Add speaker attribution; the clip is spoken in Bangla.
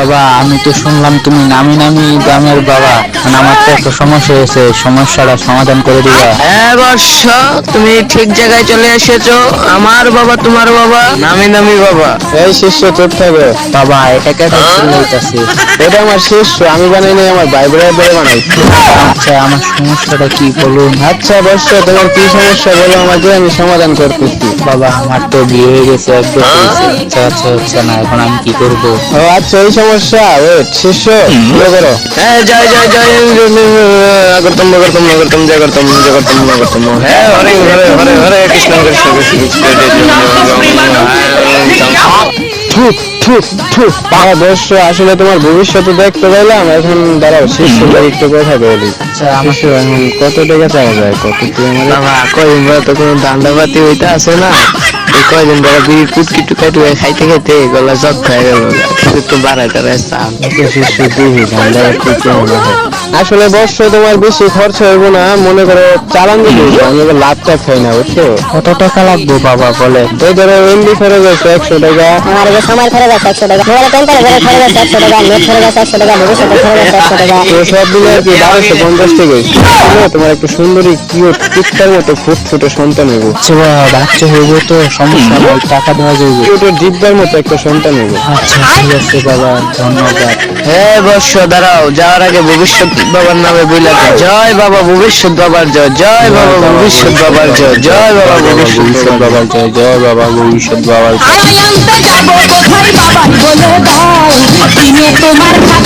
Speaker 1: বাবা আমি তো শুনলাম তুমি নামি নামি গ্রামের বাবা, মানে আমার তো একটা সমস্যা হয়েছে, সমস্যাটা সমাধান করে দিবা?
Speaker 2: হ্যাঁ বর্ষ, তুমি ঠিক জায়গায় চলে এসেছো। আমার বাবা তোমার বাবা, নামি নামি বাবা।
Speaker 3: এই শিষ্য চুপ থাকো।
Speaker 1: বাবা এটা কেটে চিল্লাইতাছে?
Speaker 3: এটা আমার শিষ্য, আমি বানাই নাই, আমার ভাই ব্রাদার বানাইছি।
Speaker 1: আচ্ছা আমার সমস্যাটা কি বলুন?
Speaker 3: আচ্ছা বর্ষ, তোমার কি সমস্যা বলো আমাকে, আমি সমাধান করতেছি।
Speaker 1: বাবা আমার তো বিয়ে হয়ে গেছে, এক বছর হয়েছে, বাচ্চা কাচ্চা হচ্ছে না, এখন আমি কি করব?
Speaker 3: ও আচ্ছা, এই সমস্যা। ওয়েট শিষ্য, শুরু করো।
Speaker 2: হ্যাঁ জয় জয় জয় করতম করতম করতম জয় করতম জয় করতম করতম। হ্যাঁ হরে হরে হরে হরে কৃষ্ণ কৃষ্ণ কৃষ্ণ
Speaker 3: থু, থু, থু। হ্যাঁ বর্ষ, আসলে তোমার ভবিষ্যতে দেখতে পেলাম। এখন দাঁড়াও, শিষ্যকে একটু কথা বলি।
Speaker 1: আচ্ছা আমার
Speaker 3: শিষ্য, এখন কত টাকা চাওয়া যায়, কত তুই আমার?
Speaker 2: বাবা কয়দিন ধরে তো কোনো ধান্দাপাতি হইতে আসে না। এই কয়দিন ধরে বিড়ি কুটকি টুকাই টুকাই খাইতে খাইতে গলা জট হয়ে গেল। একটু বাড়াইতে চান।
Speaker 3: শিষ্য দিবি ধান্দা কেমন হয়? আসলে বর্ষ, তোমার বেশি খরচ হইব না, মনে করো চালান দিবি, আমি এবার লাভটা খাই না, বুঝছো?
Speaker 1: কত টাকা লাগবে বাবা বলে?
Speaker 3: এই ধরো এমবি খরচ আছে 100 টাকা,
Speaker 4: আমার যে সময় খরচ আছে 100 টাকা, মোবাইলে টেম্পারেচার খরচ আছে 100 টাকা, নেট খরচ আছে 100 টাকা, ভবিষ্যতের খরচ আছে 100 টাকা।
Speaker 3: তো সব মিলে আর কি 1250 টাকা হইছে। বুঝলে, তোমার একটা সুন্দরী কিউট কুত্তার মতো ফুটফুটে সন্তান হইব।
Speaker 1: আচ্ছা বাবা বাচ্চা হইব তো সমস্যা নাই, টাকা দেওয়া যাবে।
Speaker 3: কিউটের জিব্বার মতো একটা সন্তান হইব।
Speaker 1: আচ্ছা ঠিক আছে বাবা, ধন্যবাদ।
Speaker 2: হ্যাঁ বর্ষ দাঁড়াও, যাওয়ার আগে ভবিষ্যৎ বাবার নামে বইলা দাও। জয় বাবা ভবিষ্যৎ বাবার জয়, জয় বাবা ভবিষ্যৎ বাবার জয়, জয় বাবা ভবিষ্যৎ বাবার জয়।
Speaker 1: জয় জয় বাবা ভবিষ্যৎ বাবার জয়।
Speaker 5: আনতে যাব কোথায় বাবা বলে দাও, দিনে তোমার